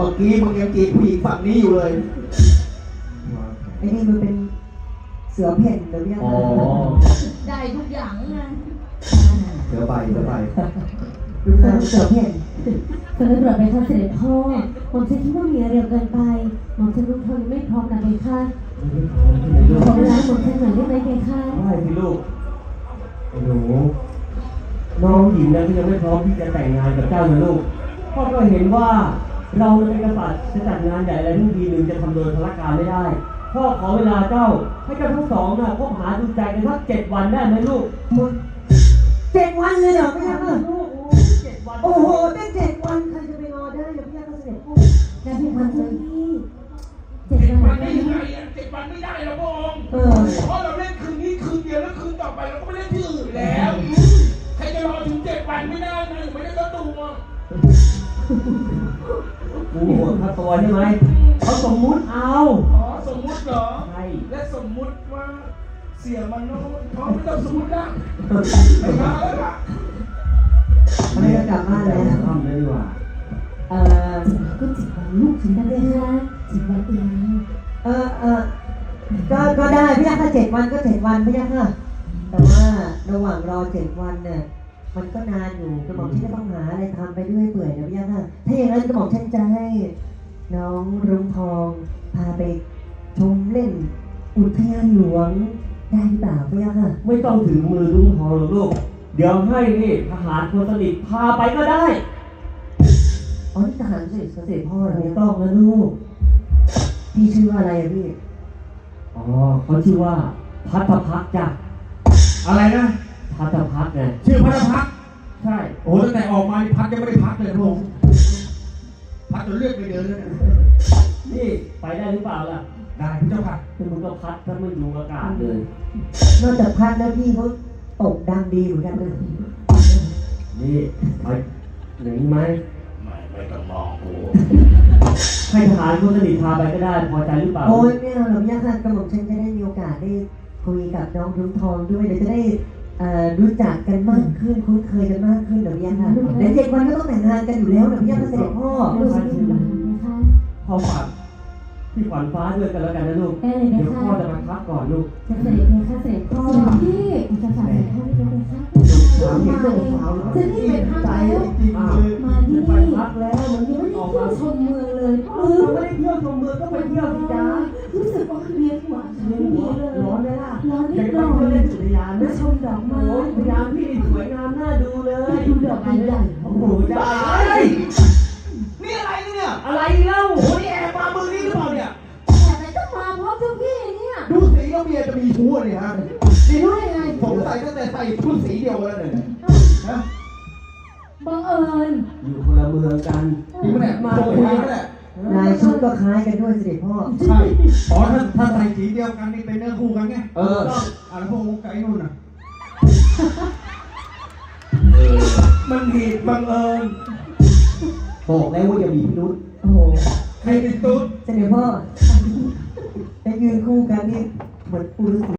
มื่อกี้มึงยังจีบผู้หญิงฝั่งนี้อยู่เลยไอ้นี่มันเป็นเสือเพ่นหรือยังไงได้ทุกอย่างไงเสือใบดูหน้าเสือเพ่นสำหรับไปค่ะเสด็จพ่อผมฉันคิดว่ามีเร็วเกินไปผมฉันรู้ทนไม่พร้อมนะเพคะขอเวลาผมฉันหน่อยได้ไหมเพคะได้พี่ลูกไอ้หนูน้องหญิงนะที่ยังไม่พร้อมที่จะแต่งงานกับเจ้านะลูกพ่อก็เห็นว่าเราเป็นกษัตริย์จะจัดงานใหญ่อะไรทุกทีหนึ่งจะทำโดยพละการไม่ได้พ่อขอเวลาเจ้าให้เจ้าทั้งสองน่ะคบหาดูใจกันสัก7 วันได้ไหมลูก 7 วันเลยเหรอพี่ยักษ์โอ้โหได้7 วันใครจะไปรอได้เดี๋ยวพี่ยักษ์ก็เสด็จพ่อได้พี่พันเลยพี่ 7 วันได้ยังไง7 วันไม่ได้หรอกพระองค์เพราะเราเล่นคืนนี้คืนเดียวแล้วคืนต่อไปเราก็ไม่เล่นที่อื่นแล้วใครจะรอถึง7 วันไม่ได้นะไม่ได้ก็ดูอ่ะกูหัวค่าตัวใช่ไหมเขาสมมุติเอาอ๋อสมมุติเหรอใช่และสมมุติว่าเสียมันน้องเขาไม่ต้องสมมุตินะไปมาแล้วล่ะไม่จะกลับบ้านแล้วทำเลยดีกว่าก็7 วันลูกถึงได้ไหมคะ7 วันเองก็ได้พี่ยักษ์ถ้า7 วันก็7 วันพี่ยักษ์ค่ะแต่ว่าระหว่างรอ7 วันเนี่ยมันก็นานอยู่กระหม่อมฉันจะต้องหาอะไรทำไปด้วยเปื่อยนะพี่ยักษ์ค่ะถ้าอย่างนั้นกระหม่อมฉันจะให้น้องรุ้งทองพาไปชมเล่นอุทยานหลวงได้หรือเปล่าพี่ยักษ์ค่ะไม่ต้องถึงมือลุงพอหรอกลูกเดี๋ยวให้นี่ทหารคนสนิทพาไปก็ได้อ๋อนี่ทหารเสด็จพ่อเหรอไม่ต้องนะลูกพี่ชื่อว่าอะไรอะพี่อ๋อเขาชื่อว่าพัทพักจ้ะอะไรนะพัทพักไงชื่อพัทพักใช่โอ้ตั้งแต่ออกมาพักยังไม่ได้พักเลยพระองค์พักจนเลือดไปเดินแล้วนี่ไปได้หรือเปล่าล่ะได้พี่เจ้าค่ะคือมึงก็พัดถ้าไม่ดูอากาศเลยนอกจากพัดแล้วพี่เขาตกดังดีเหมือนกันเลยนี่ไปหนีไหมไม่ต้องมองกูให้ทหารคนสนิทพาไปก็ได้พอใจหรือเปล่าโอ้ยไม่เอาหรอกยักษ์ค่ะกระหม่อมฉันจะได้มีโอกาสได้คุยกับน้องรุ้งทองด้วยเดี๋ยวจะได้รู้จักกันมากขึ้นคุ้นเคยกันมากขึ้นเดี๋ยวยักษ์ค่ะเดี๋ยว7 วันก็ต้องแต่งงานกันอยู่แล้วเดี๋ยวยักษ์เสด็จพ่อพ่อฝากพี่ขวัญฟ้าด้วยกันแล้วกันนะลูกเดี๋ยวพ่อจะมาพักก่อนลูกจะเสด็จเลยค่ะเสด็จพ่อพี่จะฝากเสด็จพ่อไม่ได้ค่ะจะนี่เป็นพักแล้วมาที่นี่พักแล้วมันยังไม่ได้เที่ยวชมเมืองเลยไม่ได้เที่ยวชมเมืองก็ไปเที่ยวที่จ้ารู้สึกว่าเรียนหัวไม่มีเลยร้อนไหมล่ะร้อนนิดหน่อยเล่นสุริยานะชมดอกไม้สุริยาพี่สวยงามน่าดูเลยดูดอกไม้ใหญ่โอ้โหจ้านี่อะไรเนี่ยอะไรเล่าโอ้ยแอบมามือนี่หรือเปล่าเนี่ยแต่ต้องมาเพราะเจ้าพี่เนี่ยดูสีแล้วเมียจะมีชู้เนี่ยฮะสีรู้ได้ไงผมใส่ตั้งแต่ใส่ชุดสีเดียวกันเลยนะบังเอิญอยู่คนละเมืองกันนี่มันแหละมาคุยกันแหละลายชุดก็คล้ายกันด้วยเสด็จพ่อใช่อ๋อถ้าใส่สีเดียวกันนี่เป็นเนื้อคู่กันไงแล้วพวกมุกไก่นู่นน่ะมันเหตุบังเอิญบอกแล้วว่าอย่ามีพิรุธโอ้โหใครเป็นตุ๊ดเสด็จพ่อไปยืนคู่กันนี่เหมือนปูฤาษี